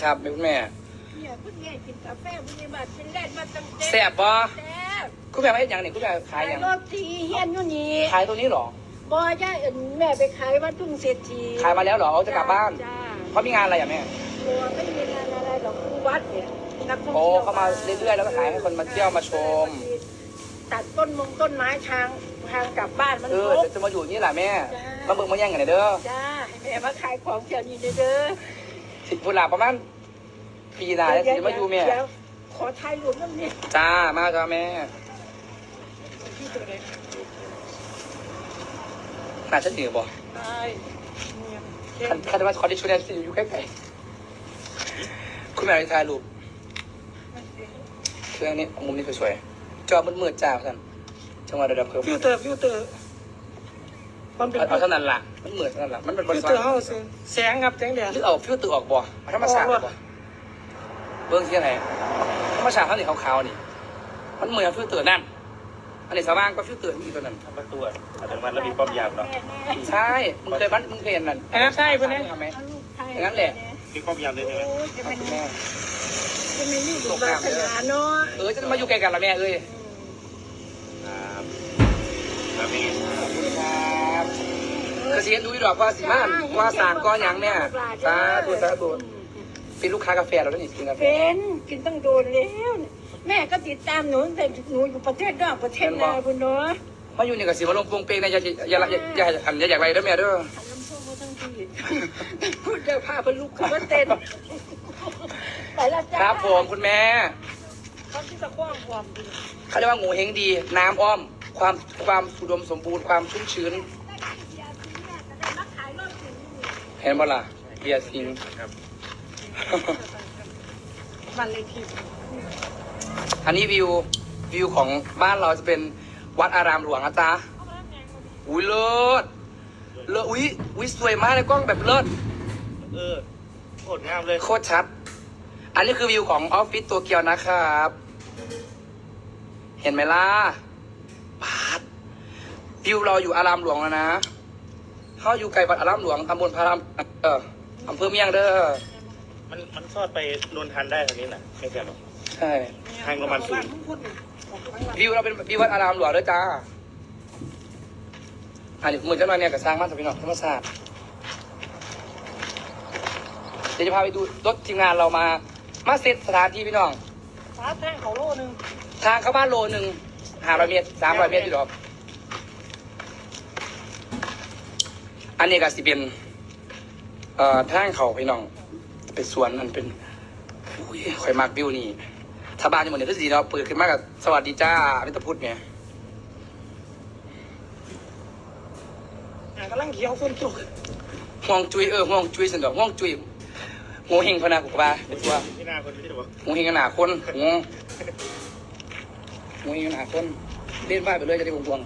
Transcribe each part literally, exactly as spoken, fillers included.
ครับแม่คุณแม่เนี่ยคุณแม่กินกาแฟคุณแม่มาเป็นแรกมาตั้งแต่แซ่บบ่แซ่บคุณแม่มาเฮ็ดหยังนี่คุณแม่ขายหยังรถทีเฮียนอยู่นี่ขายตัวนี้เหรอบ่ย่าเอิ้นแม่ไปขายวัดทุ่งเศรษฐีขายมาแล้วเหรอเอาจะกลับบ้านจ้าเขามีงานอะไรอ่ะแม่บ่ไม่มีงานอะไรหรอกคือวัดเนี่ยนักท่องโอ้เที่ยวเขามาเรื่อยๆแล้วก็ขายให้คนมาเที่ยวมาชมตัดต้นมงต้นไม้ทางทางกลับบ้านมันเออครบจะมาอยู่นี่แหละแม่มาเบิ่งมาแย่งกันเด้อจ้าให้แม่มาขายของแถวนี้เด้อสิพุ่นล่ะประมาณปีหน้าแล้วสิมาอยู่แม่ขอถ่ายรูปนำนี่จ้ามาจ้าแม่น่าจะเหนือบ่ใช่คันคันว่าขอที่ช่วยได้สิอยู่ใกล้ๆคุณแม่ถ่ายรูปเครื่องนี้มุมนี้สวยๆจอมืดๆจ้าท่านจังหวะระดับเพิ่มฟิลเตอร์ฟิลเตอร์มันเป็นเอาเท่านั้นล่ะมันเหมือนเท่านั้นล่ะมันเป็นบฟิริลษัเตทอร์เฮาซื้อแสงครับแสงแดดหรือเอาฟิวเตอร์ออกบ่ธรรมชาติบ่เบื้องที่ไหนธรรมชาติเขาสีขาวๆนี่มันเหมือนฟิวเตอร์นั่นอันนี้สว่างก็ฟิวเตอร์มีตัวนั้นประตูอัตโนมัติแล้วมีป้อมยามเนาะใช่มึงเคยบ้านมึงเคยเห็นนั่นอันนั้นใช่เพื่อนนะทำไหมอย่างนั้นแหละมีป้อมยามด้วยใช่ไหมจะเป็นแม่จะเป็นนี่ดูบาสนาเนาะเออจะมาอยู่ใกล้กันละแม่เอ้ยครับครับมีขอบคุณครับกระเสียนดูดอกว่าสิมานว่าสางก็ยังแม่สาธุสาธุเป็นลูกค้ากาแฟเราด้วยนี่กินกาแฟเป็นกินตั้งโดนแล้วแม่ก็ติดตามหนูแต่หนูอยู่ประเทศนอกประเทศนาคุณเนาะมาอยู่นี่กับสิมาลงปงเปงในอย่าอย่าอย่าอันอย่าอยากไรด้วยแม่เด้อลำโพงมาทั้งที่พูดจะพาไปลูกขึ้นมาเต้นไปละจ้าครับผมคุณแม่เขาที่ตะคว้างความดีเขาเรียกว่างูเฮงดีน้ำอ้อมความความอุดมสมบูรณ์ความชุ่มชื้นเห็นบ่ล่ะเบียร์ซิงครับวันเลยทีอันนี้วิววิวของบ้านเราจะเป็นวัดอารามหลวงนะจ๊ะอุ้ยเลิศเลิศอุ้ยอุ้ยสวยมากเลยกล้องแบบเลิศเออโคตรงามเลยโคตรชัดอันนี้คือวิวของออฟฟิศตัวเกียวนะครับ เห็นไหมล่ะปาดวิวเราอยู่อารามหลวงแล้วนะเขาอยู่ไกลวัดอารามหลวงตำบลพารามเอออำเภอเมียงเด้อมันมันซอดไปนนทันได้ทางนี้น่ะไม่ใช่หรอใช่ทางประมาณศูนย์วิวเราเป็นวิววัดอารามหลวงเด้อจ้าอันนี้เหมือนกันมาเนี่ยกับสร้างบ้านสพี่น้องธรรมศาสตร์เดี๋ยวจะพาไปดูรถทีมงานเรามามาเซตสถานที่พี่น้องฟ้าแท่งเขาโลนึงทางเข้าบ้านโลหนึ่งห้าร้อยเมตรสามร้อยเมตรอยู่หรอกอันนี้ก็สิเป็นเอ่อทางเขาพี่น้องเป็นสวนมันเป็นอุ้ยข่อยมากวิวนี่ถ้าบ้านจะเหมือนเดิมก็สีเราเปิดขึ้นมากับสวัสดีจ้าอมิตรพุทธเนี่ยกำลังเขียวฝนตกห่วงจุยเออห่วงจุยสันดอกห่วงจุยงูเฮงพนากุกบาเป็นตัวที่หน้าคนที่จะบอกงูเฮงขนาดคนงูงูเฮงขนาดคนเล่นบ้านไปเลยจะได้วงวง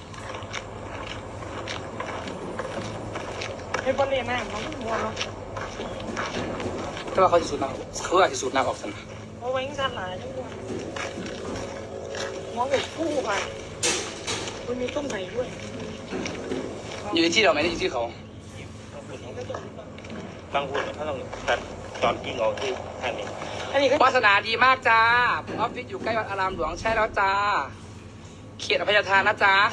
ไอ้บอลเล่นน้ำมันมัวเนาะแต่ว่าเขาจะสูดน้ำเขาอาจจะสูดน้ำออกสันโอ้ยยิ่งสั่นหลายจังเลยมองแบบคู่ไปมันมีต้นไผ่ด้วยอยู่ที่เราไหมอยู่ที่เขาบางคนถ้าต้องตัดตอนกิ้งออกที่ท่านนี้อันนี้ก็วาสนาดีมากจ้าออฟฟิศอยู่ใกล้วัดอารามหลวงใช่แล้วจ้าเขตอภัยทานนะจ้า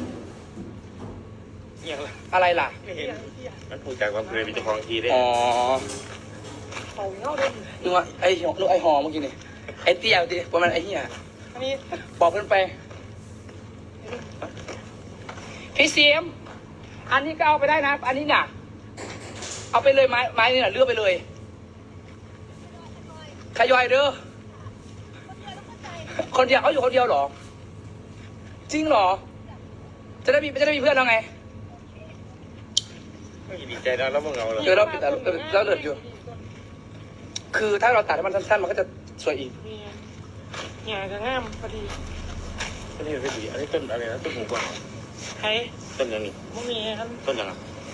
อะไรล่ะไม่เห็นมันถูกจากความเคยมีเจ้าของทีได้อ๋อเขาเงาเลยนึกว่าไอ้นึกไอ้หอเมื่อกี้นี่ไอ้เตี้ยดิประมาณไอ้เหี้ยอันนี้บอกเพื่อนไปพี่เสียมอันนี้ก็เอาไปได้นะอันนี้น่ะเอาไปเลยไม้ไม้นี่น่ะเลือกไปเลยขยอยเด้อคนเดียวเขาอยู่คนเดียวหรอจริงหรอจะได้มีจะได้มีเพื่อนเราไงไม่ดีใจแล้วแล้วมึงเอาเหรอเออเราปิดเราเลือดอยู่คือถ้าเราตัดให้มันสั้นๆมันก็จะสวยอีกเนี่ยจะงามพอดีอันนี้เป็นดีอันนี้ต้นอะไรนะต้นหูกวางใครต้นยังนี่ไม่มีครับต้นยัง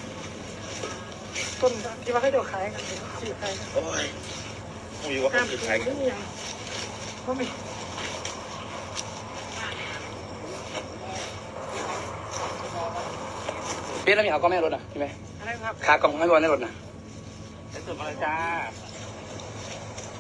ต้นที่ว่าให้เดี๋ยวขายกันจีบขายกันโอ้ยมีว่าเขาจีบขายกันไม่มีเบี้ยแล้วมีเอากล้องแม่รถอ่ะใช่ไหมอะไรครับขากล่องให้บอลในรถนะได้สุดมาเลยจ้า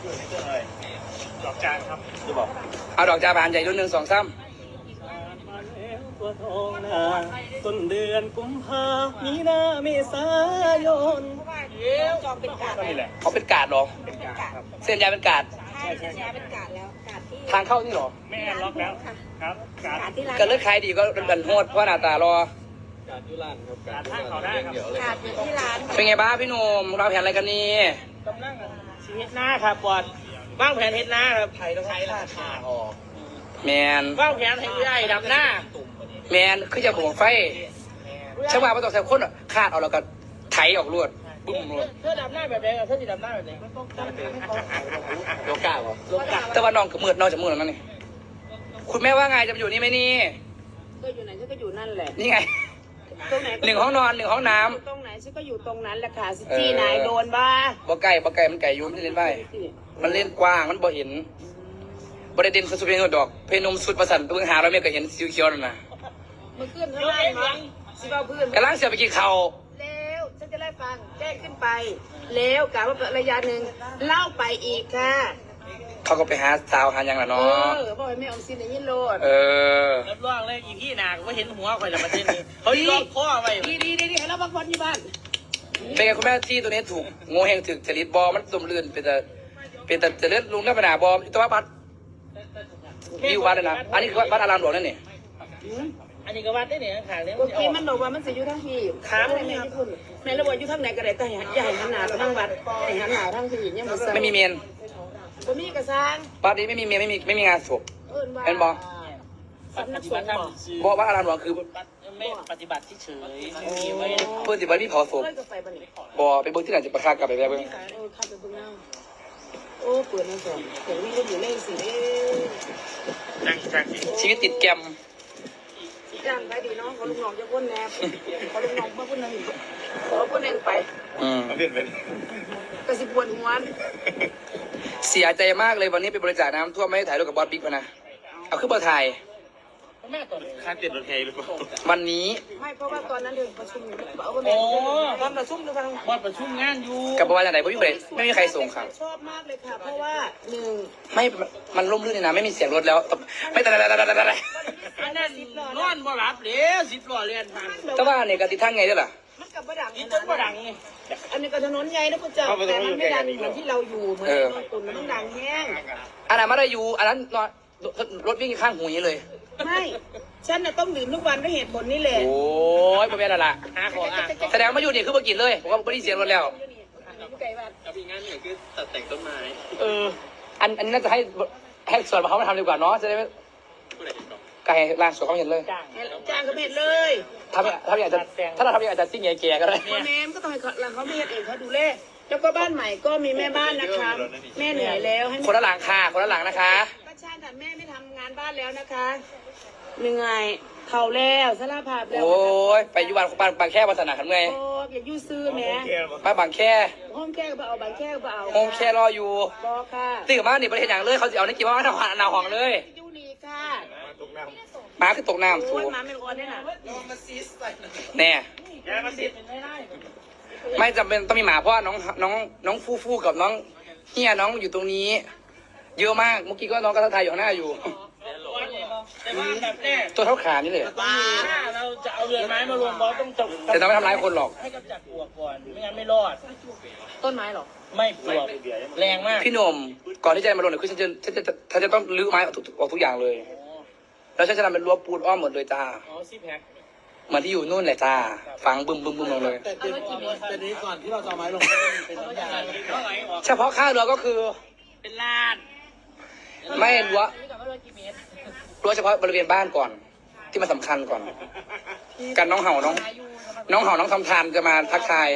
ดอกจานครับจะบอกเอาดอกจาบานใหญ่รุ่นหนึ่งสองซ้ตัวทองนาต้นเดือนกุมภามีนาเมษายนจองเป็นกาดก็นี่แหละำเขาเป็นกาดเหรอเป็นกาครับเส้นยายเป็นกาดใช่ใช่ใช่เป็นกาดแล้วกาดที่ทางเข้านี่เหรอแม่ล็อกแล้วครับการกาดที่ร้านก็เลือกขายดีก็เป็นกันโหดเพราะหน้าตารอการท่าเขาได้ครับกาดอยู่ที่ร้านเป็นไงบ้างพี่หนุ่มเราแผนอะไรกันนี่กำลังชีวิตหน้าครับบอดว่างแผนเฮ็ดหน้าครับไทยต้องใช้ราคาออกแมนว่างแผนให้ผู้ใหญ่ดำหน้าแมนคือจะบอกไฟช่างว่าไม่ต้องใส่คนอะคาดเอาแล้วก็ไถออกรวดบึ้มรวดเธอดำหน้าแบบไหนเธอจะดำหน้าแบบไหนโลกาเหรอแต่ว่าน้องกับมืดน้องจะมืดแล้วนั่นนี่คุณแม่ว่าไงจะมาอยู่นี่ไหมนี่ก็อยู่ไหนฉันก็อยู่นั่นแหละนี่ไงตรงไหนหนึ่งห้องนอนหนึ่งห้องน้ตรงไหนฉันก็อยู่ตรงนั้นแหละค่ะสิจี้นายโดนบ้าำบ่ไก่บ่ไก่มันไก่อยุ่มันจะเล่นไปมันเล่นกว้างมันบ่เห็นบ่ได้เด่นสุดเพลงดอกเพลงนมสุดประสันเพิ่งหาเราไม่ก็เห็นสีเขียวนั่นนะมันขึ้นข้างล่างมั้งสิเบาพื้นกำลังเสียไปกินข้าวแล้วฉันจะไล่ฟังแจ้งขึ้นไป แล้วกะว่าระยะหนึ่งเล่าไปอีกค่ะเขาก็ไปหาสาวหาหยังล่ะเอเนาะอบอกให้แม่อมสินอย่างนี้โลดเออรับรองเลยอีพี่นาก็เห็นหัวข่อยละประเทศนี้เขาล็อกข้อไว้ดีดีดีดีให้เราพักผ่อนที่บ้านเป็นไงคุณแม่ที่ตัวนี้ถูกงูแหงถึกจริตบอมันสมลื่นเป็นแต่เป็นแต่จะเลื่อนลุงเลื่อนไปหนาบอมตัววัดวิววัดเลยนะอันนี้คือวัดอารามหลวงนั่นนี่อันนี้ก็วัดได้เนี่ยขางนี้เมื่อกี้มันบอกว่ามันจะอยู่ทั้งที่ครับแม่ที่คุณแม่ระบอกอยู่ทั้งไหนก็ได้แต่อย่าให้หันหน้าไปทางวัดให้หันหน้าทางที่เนี่ยมันไม่มีเมนบ่มีกระซังวัดนี้ไม่มีเมนไม่มีไม่มีงานศพเอิ้นว่าเป็นบ่สำนักสงฆ์บ่บอกวัดอารามหลวงคือไม่ปฏิบัติที่เฉยไม่มีไว้เพื่อนสิวันมีเผาศพเคยก็ไปบ่นี่บอไปเบิ้งที่ไหนจะประคากลับไปแบบเบิ้งเออเข้าไปเบิ่งเอาโอ้เปิดนั่นก่อนเดี๋ยวนี้ก็อยู่เล่นสิเด้จังจังชีวิตติดแกรมจ้างไปดีเนาะขอลูกน้องจะพ้นแนบขอลูกน้องมาพ้นนึงขอพ้นนึงไปอืมเปลี่ยนเป็นกระสิบปวดหัวเสียใจมากเลยวันนี้ไปบริจาคน้ำท่วมไม่ได้ถ่ายรูปกับบอสบิ๊กมานะเอาขึ้นมาถ่ายแม่ตัวค่าเตียนรถเฮหรือเปล่าวันนี้ไม่เพราะว่าตอนนั้นเดินประชุมอยู่เอาไปแม่โอ้ตอนประชุมดูฟังบอดประชุมงานอยู่กับประวัติไหนไม่มีใครไม่มีใครส่งครับชอบมากเลยค่ะ เพราะว่าหนึ่งไม่มันร่มรื่นเลยนะไม่มีเสียงรถแล้วไม่แต่แต่แต่แต่แต่อันนั้นนอนบ่หลับเดี๋ยวสิบล้อเรียนทางแต่ว่าเนี่ยกติทั้งไงด้วยล่ะมันกับประดังนี่ต้นบ่ดังไงอันนี้ก็ถนนใหญ่นะคุณเจ้าแต่มันไม่ดังเหมือนที่เราอยู่เหมือนนนตุนมันต้องดังแห้งอันนั้นไม่ได้อยู่อันนั้นนอนรถวิ่งข้างหูอย่างนี้เลยไม่ฉันน่ะต้องดื่มทุกวันด้วยเหตุผลนี่แหละโอ้ยพ่อแม่ละละหาของอ่ะแสดงมาอยู่นี่คือมากินเลยผมว่าไม่ได้เสียงรถแล้วไก่บ้านกับอีกงานหนึ่งคือตัดแต่งต้นไม้เอออันอันนี้น่าจะให้ให้ส่วนเขามาทำดีกว่าเนาะจะได้ไม่ไก่ร้านสวนเขาเห็นเลยจ้างจ้างก็เม็ดเลยทำทำอย่างจะถ้าเราทำอย่างจะซิ่งแก่ๆก็ได้พ่อแม่ก็ต้องให้เขาไม่เห็นเองเขาดูแลแล้วก็บ้านใหม่ก็มีแม่บ้านนะคะแม่เหนื่อยแล้วให้คนละหลังค่ะคนละหลังนะคะป้าชาติแม่ไม่ทำงานบ้านแล้วนะคะเหนื่อยเท่าแล้วสารภาพแล้วโอ้ยไปอยู่บ้านบางบางแค่ภาษาหนาทำไงโอ้อย่ายู่ซื้อแม่มาบางแค่ห้องแก้ก็เอาใบแก้ก็เอาโฮมแค่รออยู่บอกค่ะตื่นมานี่ประเทศอย่างเลยเขาจะเอาในกี่ว่าหน้าหน้าห้องเลยยูนีค่ะหมาคือตกน้ำสูโอ้ยมาไม่ร้อนได้น่ะแน่ยายมาสิไม่ได้ไม่จำเป็นต้องมีหมาเพราะว่าน้องน้องน้องฟูฟูกับน้องเฮียน้องอยู่ตรงนี้ เยอะมากเมื่อกี้ก็น้องก็ทักทายอยู่ข้างหน้าอยู่แต่ว่าแบบแน่ตัวเท่าขานี่เลยถ้าเราจะเอาเรือนไม้มารวมบอสต้องจบแต่ต้องไม่ทำร้ายคนหรอกให้กำจัดปลวกก่อนไม่งั้นไม่รอดต้นไม้หรอไม่ปลวกแรงมากพี่หนุ่มก่อนที่จะมาลงเนี่ยคือฉันจะฉันจะฉันจะต้องรื้อไม้ออกทุกออกทุกอย่างเลย แล้วฉันจะทำเป็นรั้วปูนอ้อมหมดเลยจ้าอ๋อซีแพ็คเหมือนที่อยู่นู่นแหละจ้าฝังบึมบึมบึมลงเลยแต่แต่นี้ก่อนที่เราจะเอาไม้ลงเป็นน้ำยาเท่าไหร่ออกเฉพาะค่าเรือก็คือเป็นล้านไม่รั้วนี่กับว่าร้อยกี่เมตรรั้วเฉพาะบริเวณบ้านก่อน ที่มันสำคัญก่อน กันน้องเห่าน้อง น้องเห่าน้องทำทานจะมาทักทาย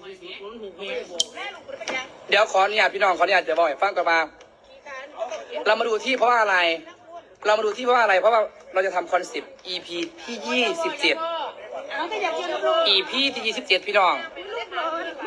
เดี๋ยวขออนุญาตพี่น้องขออนุญาตจะบอกให้ฟังก่อนมาเรามาดูที่เพราะว่าอะไร เรามาดูที่เพราะว่าอะไร เพราะว่าเราจะทำคอนเซปต์ อี พี ที่ยี่สิบเจ็ดมันก็อยากเที่ยวลูกอี พี ที่ยี่สิบเจ็ดพี่น้องลูกร้อน